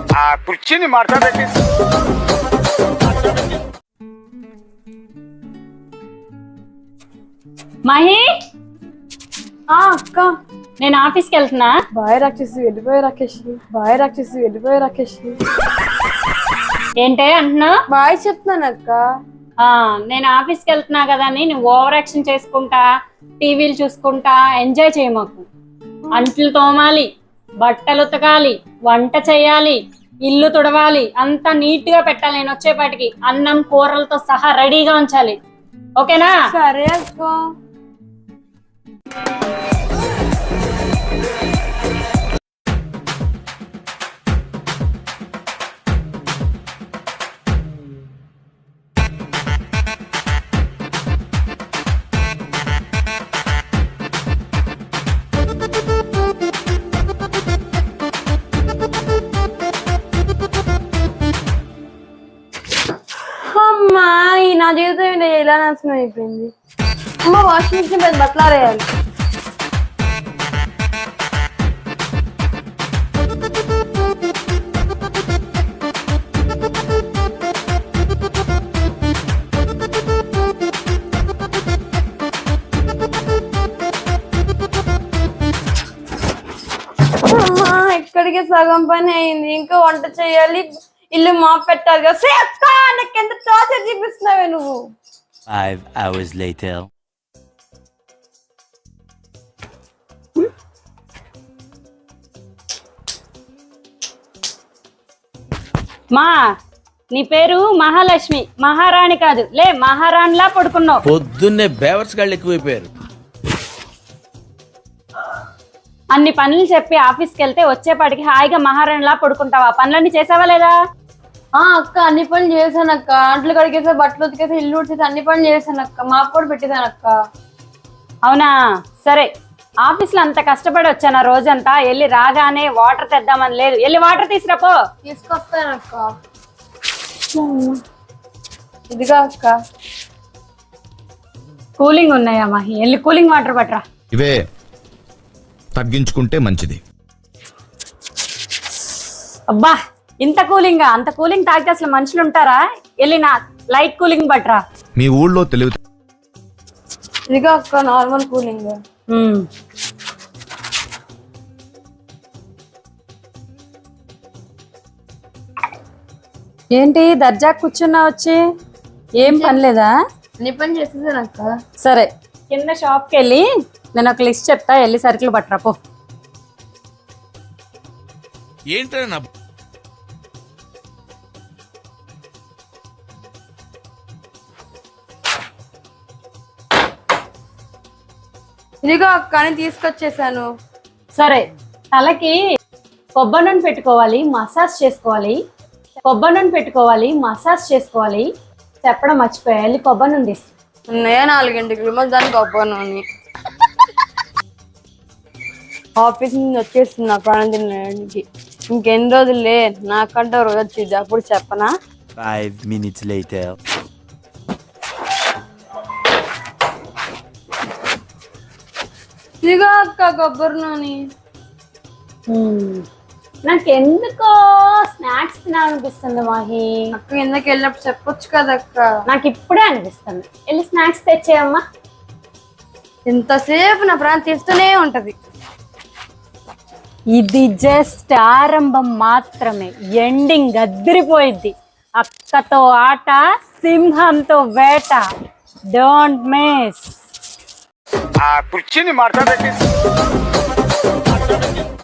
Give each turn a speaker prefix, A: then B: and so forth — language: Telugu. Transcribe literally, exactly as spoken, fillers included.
A: ఆ కుర్చీని మార్చబెట్టి
B: మహి
C: అక్క
B: నేను ఆఫీస్కి వెళ్తున్నా.
C: బాయ్ రాక్షసి వెళ్ళిపోయి రాకేష్ బాయ్ రాక్షసి వెళ్ళిపోయి రాకేష్
B: ఏంటే అంటున్నా?
C: బాయ్ చెప్తున్నాను అక్క.
B: నేను ఆఫీస్కి వెళ్తున్నా కదా అని నువ్వు ఓవర్ యాక్షన్ చేసుకుంటా టీవీలు చూసుకుంటా ఎంజాయ్ చేయమాకు. అంట్లు తోమాలి, బట్టలు ఉతకాలి, వంట చేయాలి, ఇల్లు తుడవాలి, అంతా నీట్ గా పెట్టాలి. నేను వచ్చేపాటికి అన్నం కూరలతో సహా రెడీగా ఉంచాలి. ఓకేనా?
C: సరే అక్క. అమ్మా ఈ నా జీవితం ఎలా నాశనం అయిపోయింది. అమ్మ వాషింగ్ మిషన్ పెద్ద బట్టలు ఆరేయాలి. అమ్మా ఎక్కడికి సగం పని అయింది, ఇంకా వంట చేయాలి, ఇల్లు మా పెట్టాలి కదా. సే అక్క నాకు ఎంత టార్చర్ చూపిస్తున్నావే నువ్వు.
D: Five hours later.
B: మా నీ పేరు మహాలక్ష్మి, మహారాణి కాదు. లే మహారాణిలా పడుకున్నావు.
E: పొద్దున్నే బేవర్స్ గాళ్ళు ఎక్కువైపోయారు.
B: అన్ని పనులు చెప్పి ఆఫీస్కి వెళ్తే వచ్చేపాటికి హాయిగా మహారాణిలా పడుకుంటావా? పనులన్నీ చేసావా లేదా?
C: ఆ అక్క అన్ని పనులు చేశాను అక్క. అంట్లు కడిగేసా, బట్టలు ఉతికేసా, ఇల్లు ఉడిచేసా, అన్ని పనులు చేశాను అక్క. మాకు కూడా పెట్టేశాను అక్క.
B: అవునా? సరే, ఆఫీస్ లో అంత కష్టపడి వచ్చాను రోజంతా. వెళ్ళి రాగానే వాటర్ తెద్దామని లేదు. వెళ్ళి వాటర్ తీసుకురాపో.
C: తీసుకొస్తాను అక్క. ఇదిగా అక్క.
B: కూలింగ్ ఉన్నాయా మహి? వెళ్ళి కూలింగ్ వాటర్ పట్టరా.
F: ఇవే తగ్గించుకుంటే మంచిది.
B: అబ్బా ఇంత కూలింగ్ అంత కూలింగ్ తాగితే అసలు మనుషులు ఉంటారా? వెళ్ళి నా లైట్ కూలింగ్ పట్టరా.
F: మీ ఊళ్ళో తెలివి
C: ఇదిగా అక్క నార్మల్ కూలింగ్.
B: ఏంటి దర్జా కూర్చున్నా వచ్చి? ఏం పని లేదా?
C: అన్ని పని చేసేసాను అక్క.
B: సరే, కింద షాప్కి వెళ్ళి నేను ఒక లిస్ట్ చెప్తా, వెళ్ళి సరుకులు పట్టరా పో.
E: ఏంటో నా
C: ఇదిగో అక్క అని తీసుకొచ్చేసాను.
B: సరే, తలకి కొబ్బరి నూనె పెట్టుకోవాలి, మసాజ్ చేసుకోవాలి. కొబ్బరి నూనె పెట్టుకోవాలి, మసాజ్ చేసుకోవాలి. చెప్పడం మర్చిపోయా. వెళ్ళి కొబ్బరి నూనె తీసు.
C: ఉన్నాయా నాలుగింటికి మళ్ళీ దానికి కొబ్బరి నూనె. ఆఫీస్ నుంచి వచ్చేస్తున్నా ప్రాణం తినడానికి. ఇంకెన్ని రోజులే నాకంటే రోజు వచ్చింది, అప్పుడు చెప్పనా?
D: Five minutes later.
C: ఇదిగో అక్క కొబ్బరి నూనె.
B: నాకెందుకో స్నాక్స్ తినాలనిపిస్తుంది మాహి.
C: అక్క కిందకి వెళ్ళినప్పుడు చెప్పొచ్చు కదా అక్క.
B: నాకు ఇప్పుడే అనిపిస్తుంది. వెళ్ళి స్నాక్స్ తెచ్చేయమ్మా.
C: ఇంతసేపు నా ప్రాణం తీస్తూనే ఉంటది.
B: ఇది జస్ట్ ఆరంభం మాత్రమే. ఎండింగ్ అదిరిపోయిద్ది. అక్కతో ఆట, సింహంతో వేట. Don't miss.
A: ఆ కుర్చీని మార్చబెట్టి